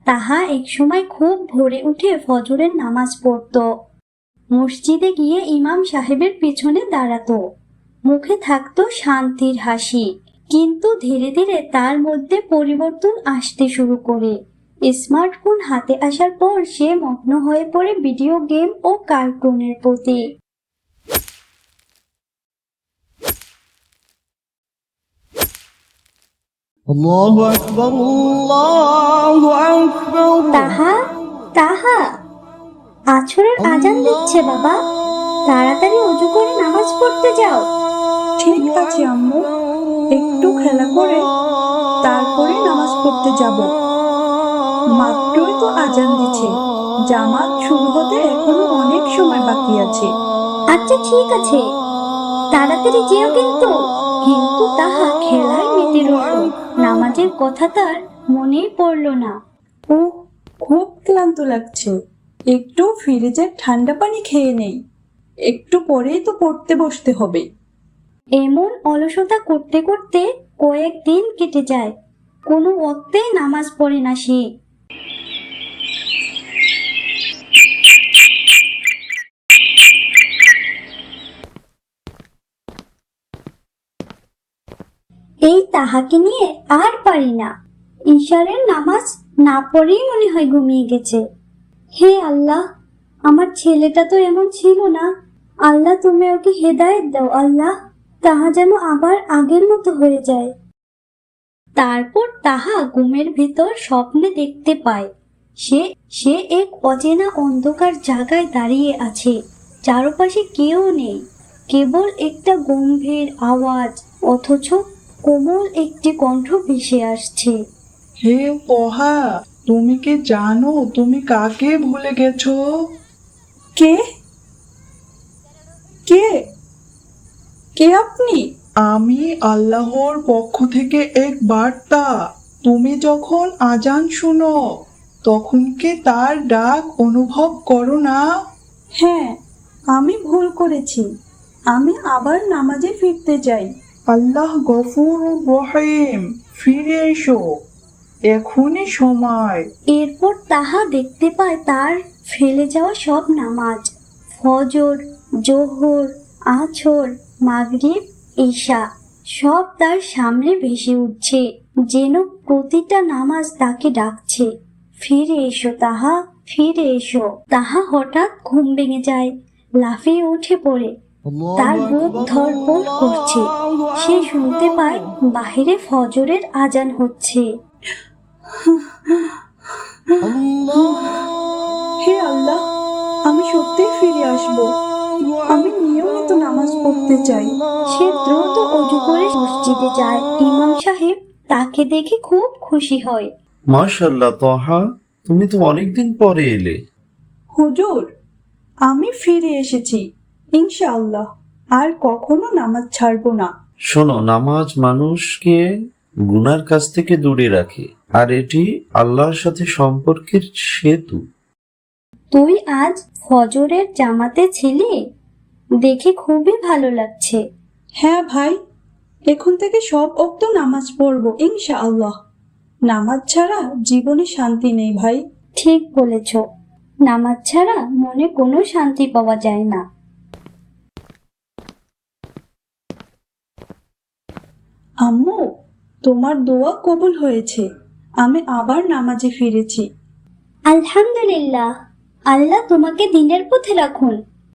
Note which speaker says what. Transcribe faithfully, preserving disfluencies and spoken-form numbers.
Speaker 1: তাহা একসময় খুব ভোরে উঠে ফজরের নামাজ পড়তো। মসজিদে গিয়ে ইমাম সাহেবের পিছনে দাঁড়াতো। মুখে থাকতো শান্তির হাসি, কিন্তু ধীরে ধীরে তার মধ্যে পরিবর্তন আসতে শুরু করে। স্মার্টফোন হাতে আসার পর সে মগ্ন হয়ে পড়ে ভিডিও গেম ও কার্টুনের প্রতি।
Speaker 2: আল্লাহু আকবার, আল্লাহু আকবার।
Speaker 1: তাহা তাহা আছরের আজান দিচ্ছে বাবা, তাড়াতাড়ি ওযু করে নামাজ পড়তে যাও।
Speaker 3: ঠিক আছে আম্মু, একটু খেলা করে তারপরে নামাজ পড়তে যাব। মাত্রই তো আজান দিচ্ছে, জামাত শুরু হতে এখনো অনেক সময় বাকি আছে।
Speaker 1: আচ্ছা ঠিক আছে, তাড়াতাড়ি যেও কিন্তু। কিন্তু তাহা খেলায় মেতে রইল, নামাজের কথা তার মনেই পড়ল না।
Speaker 3: ও, খুব ক্লান্ত লাগছে, একটু ফ্রিজের ঠান্ডা পানি খেয়ে নেই, একটু পরেই তো পড়তে বসতে হবে।
Speaker 1: এমন অলসতা করতে করতে কয়েকদিন কেটে যায়, কোনো ওয়াক্তেই নামাজ পড়ে না সে। এই তাহাকে নিয়ে আর পারি না, ঈশারের নামাজ না পড়েই মনে হয় ঘুমিয়ে গেছে। হে আল্লাহ, আমার ছেলেটা তো এমন ছিল না, আল্লাহ তুমি ওকে হেদায়েত দাও আল্লাহ, তাহা যেন আবার আগের মতো হয়ে যায়। তারপর তাহা ঘুমের ভিতর স্বপ্নে দেখতে পায় সে সে এক অচেনা অন্ধকার জায়গায় দাঁড়িয়ে আছে, চারপাশে কেউ নেই, কেবল একটা গম্ভীর আওয়াজ, অথচ কোমল একটি কণ্ঠ ভেসে আসছে।
Speaker 3: হে পহা, তুমি কি জানো তুমি কাকে ভুলে গেছো? কে কে কে আপনি? আমি আল্লাহর পক্ষ থেকে এক বার্তা। তুমি যখন আজান শুনো, তখন কি তার ডাক অনুভব করো না? হ্যাঁ, আমি ভুল করেছি, আমি আবার নামাজে ফিরতে চাই। আল্লাহ গফুর রহিম, ফিরে এসো, এখনই সময়।
Speaker 1: এরপর তাহা দেখতে পায় তার ফেলে যাওয়া সব নামাজ, ফজর, জোহর, আছর, মাগরিব, ঈশা, সব তার সামনে ভেসে উঠছে, যেন প্রতিটা নামাজ তাকে ডাকছে, ফিরে এসো তাহা, ফিরে এসো। তাহা হঠাৎ ঘুম ভেঙে যায়, লাফিয়ে উঠে পড়ে, তার বুক ধড়ফড় করছে। সে শুনতে পায় বাহিরে ফজরের আজান হচ্ছে।
Speaker 3: হে আল্লাহ, আমি সত্যিই ফিরে আসব, আমি নিয়মিত নামাজ পড়তে চাই।
Speaker 1: সে দ্রুত অজু করে মসজিদে যায়। ইমাম সাহেব তাকে দেখে খুব খুশি হয়।
Speaker 4: মাশাআল্লাহ তহা, তুমি তো অনেকদিন পরে এলে।
Speaker 3: হুজুর, আমি ফিরে এসেছি ইনশাআল্লাহ, আর কখনো নামাজ ছাড়বো না।
Speaker 4: শোনো, নামাজ মানুষকে গুনার কাছ থেকে দূরে রাখে, আর এটি আল্লাহর সাথে সম্পর্কের সেতু।
Speaker 1: তুই আজ ফজরের জামাতে ছিলি, দেখে খুবই ভালো লাগছে।
Speaker 3: হ্যাঁ ভাই, এখন থেকে সব ওক্ত নামাজ পড়বো ইনশাআল্লাহ। নামাজ ছাড়া জীবনে শান্তি নেই ভাই।
Speaker 1: ঠিক বলেছ, নামাজ ছাড়া মনে কোনো শান্তি পাওয়া যায় না।
Speaker 3: আম্মু, তোমার দোয়া কবুল হয়েছে, আমি আবার নামাজে ফিরেছি।
Speaker 1: আলহামদুলিল্লাহ, আল্লাহ তোমাকে দিনের পথে রাখুন।